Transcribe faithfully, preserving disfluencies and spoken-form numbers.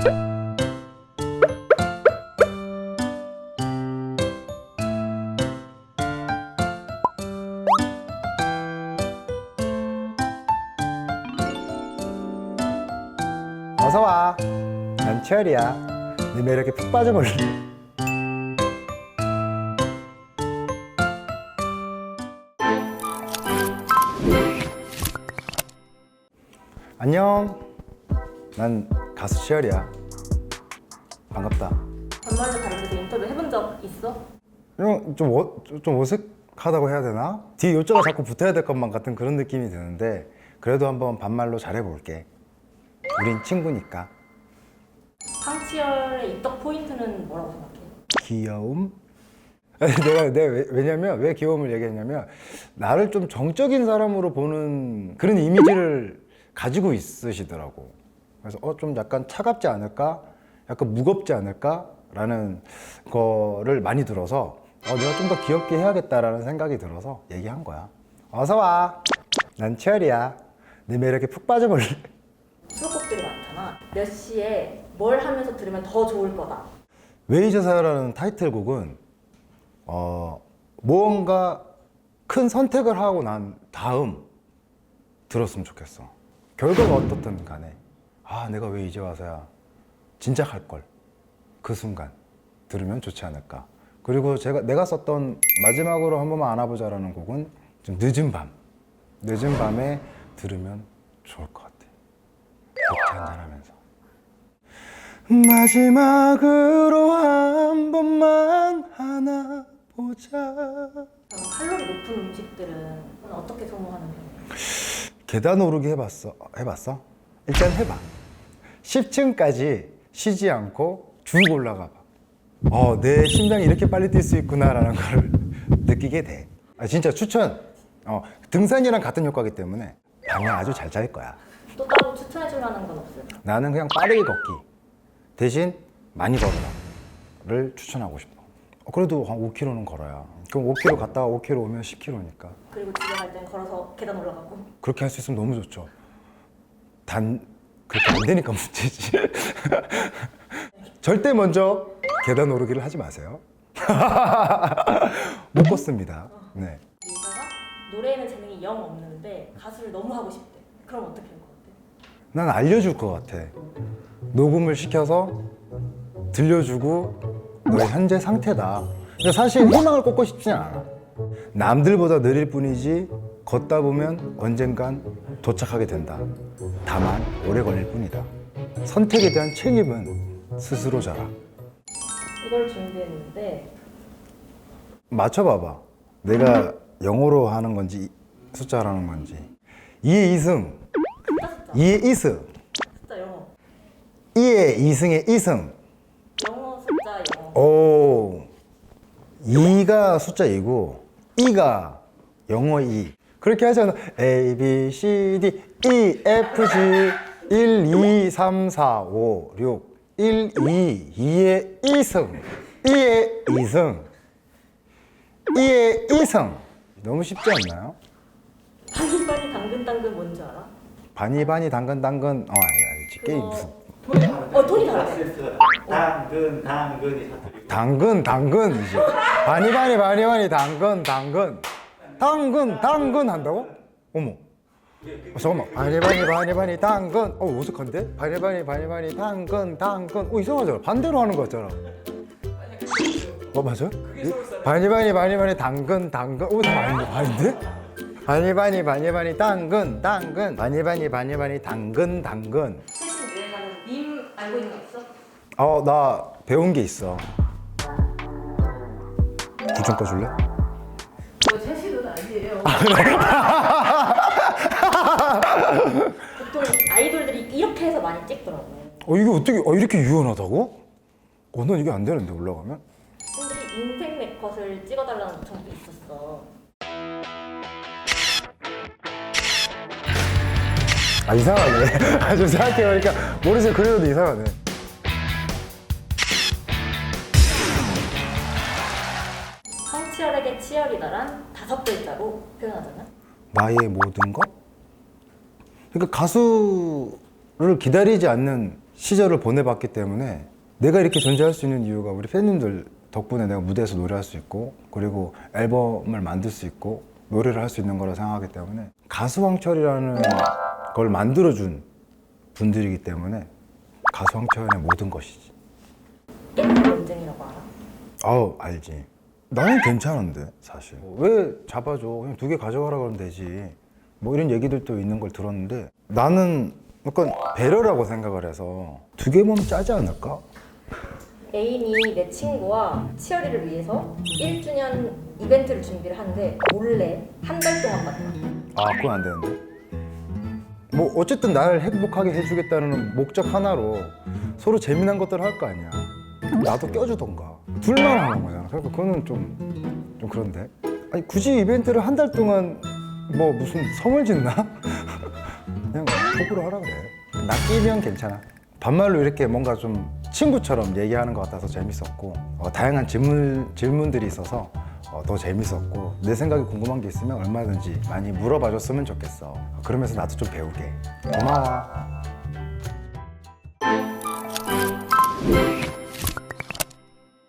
어서와. 난 치열이야. 네 매력에 푹 빠져볼래. 안녕. 난 가수 치열이야. 반갑다. 반말로 다른 데서 인터뷰 해본 적 있어? 좀, 좀, 어, 좀 어색하다고 해야 되나? 뒤에 요자가 자꾸 붙어야 될 것만 같은 그런 느낌이 드는데 그래도 한번 반말로 잘해볼게. 우린 친구니까. 황치열의 입덕 포인트는 뭐라고 생각해? 귀여움? 내가, 내가 왜, 왜냐면 왜 귀여움을 얘기했냐면 나를 좀 정적인 사람으로 보는 그런 이미지를 가지고 있으시더라고. 그래서 어, 좀 약간 차갑지 않을까? 약간 무겁지 않을까? 라는 거를 많이 들어서 어, 내가 좀 더 귀엽게 해야겠다라는 생각이 들어서 얘기한 거야. 어서 와. 난 치열이야. 네 매력에 푹 빠져볼래. 수록곡들이 많잖아. 몇 시에 뭘 하면서 들으면 더 좋을 거다. 왜 이제 살아라는 타이틀곡은 어, 무언가 큰 선택을 하고 난 다음 들었으면 좋겠어. 결과가 어떻든 간에 아 내가 왜 이제 와서야 진짜 할걸 그 순간 들으면 좋지 않을까. 그리고 제가 내가 썼던 마지막으로 한 번만 안아보자라는 곡은 좀 늦은 밤 늦은 밤에 들으면 좋을 것 같아. 맥주 한잔하면서 마지막으로 한 번만 안아보자. 그럼 칼로리 높은 음식들은 어떻게 소모하는 편이야? 계단 오르기 해봤어? 해봤어? 일단 해봐. 십 층까지 쉬지 않고 쭉 올라가 봐. 어, 내 심장이 이렇게 빨리 뛸 수 있구나라는 걸 느끼게 돼. 아, 진짜 추천. 어, 등산이랑 같은 효과이기 때문에 밤에 아주 잘 잘 거야. 또 따로 추천해줄 만한 건 없을까? 나는 그냥 빠르게 걷기 대신 많이 걸어라를 추천하고 싶어. 어, 그래도 한 오 킬로미터는 걸어야. 그럼 오 킬로미터 갔다가 오 킬로미터 오면 십 킬로미터니까. 그리고 집에 갈 땐 걸어서 계단 올라가고. 그렇게 할 수 있으면 너무 좋죠. 단 그렇게 안 되니까 문제지. 절대 먼저 계단 오르기를 하지 마세요. 못 걷습니다. 네. 리사가 노래에는 재능이 영 없는데 가수를 너무 하고 싶대. 그럼 어떻게 할 것 같아? 난 알려줄 것 같아. 녹음을 시켜서 들려주고 너의 현재 상태다. 근데 사실 희망을 꽂고 싶진 않아. 남들보다 느릴 뿐이지 걷다 보면 언젠간 도착하게 된다. 다만 오래 걸릴 뿐이다. 선택에 대한 책임은 스스로 져라. 이걸 준비했는데 맞춰봐봐. 내가 영어로 하는 건지 숫자로 하는 건지. 이의 이승, 숫자 숫자. 이의 이승, 숫자 영어. 이의 이승의 이승. 영어 숫자 영어. 오, 이가 숫자 이고 이가 영어 이. 그렇게 하잖아. A, B, C, D, E, F, G 일, 이, 삼, 사, 오, 육 일, 이, 이의 이승 이의 이승 이의 이승. 너무 쉽지 않나요? 바니바니 당근당근 뭔지 알아? 바니바니 당근당근. 어 알지. 게임 무슨 그거 어 톤이 달라. 당근 당근이 사투리고 당근 당근이지. 바니바니 바니바니 당근 당근 당근 당근 한다고? 어머. 어, 잠깐만. 바니바니 바니바니 당근. 어 어색한데? 바니바니 바니바니 당근 당근. 어 이상하잖아. 반대로 하는 거 같잖아. 어 맞아? 바니바니 바니바니 당근 당근. 어 다 아닌데? 아닌데? 바니바니 바니바니 당근 당근 바니바니 바니바니 당근 당근. 최신 유행하는 밈 알고 있는 거 있어? 어 나 배운 게 있어. 불 좀 꺼줄래? 뭐 최신은 아니에요. 보통 아이돌들이 이렇게 해서 많이 찍더라고. 어 이게 어떻게 어 이렇게 유연하다고? 어 난 이게 안 되는데 올라가면? 팬들이 인생 네컷을 찍어달라는 요청도 있었어. 아 이상하네. 아 좀 생각해보니까 모르지 그래도 이상하네. 황치열에게 치열이다란 다섯 글자로 표현하자면? 나의 모든 것? 그러니까 가수를 기다리지 않는 시절을 보내봤기 때문에 내가 이렇게 존재할 수 있는 이유가 우리 팬님들 덕분에 내가 무대에서 노래할 수 있고 그리고 앨범을 만들 수 있고 노래를 할 수 있는 거라 생각하기 때문에 가수 황철이라는 걸 만들어준 분들이기 때문에 가수 황철의 모든 것이지. 일본 논쟁이라고 알아? 아우 알지. 나는 괜찮은데 사실 왜 잡아줘 그냥 두 개 가져가라 그러면 되지 뭐 이런 얘기들도 있는 걸 들었는데 나는 약간 배려라고 생각을 해서 두 개 모으면 짜지 않을까? 애인이 내 친구와 치어리를 위해서 일 주년 이벤트를 준비를 하는데 몰래 한 달 동안 봤다. 아 그건 안 되는데 뭐 어쨌든 나를 행복하게 해주겠다는 목적 하나로 서로 재미난 것들을 할 거 아니야. 나도 껴주던가 둘만 하는 거잖아. 그러니까 그거는 좀, 좀 그런데 아니 굳이 이벤트를 한 달 동안 뭐 무슨 성을 짓나? 그냥 톡으로 하라 그래. 낚이면 괜찮아. 반말로 이렇게 뭔가 좀 친구처럼 얘기하는 것 같아서 재밌었고 어, 다양한 질문, 질문들이 있어서 어, 더 재밌었고 내 생각이 궁금한 게 있으면 얼마든지 많이 물어봐 줬으면 좋겠어. 그러면서 나도 좀 배우게. 고마워.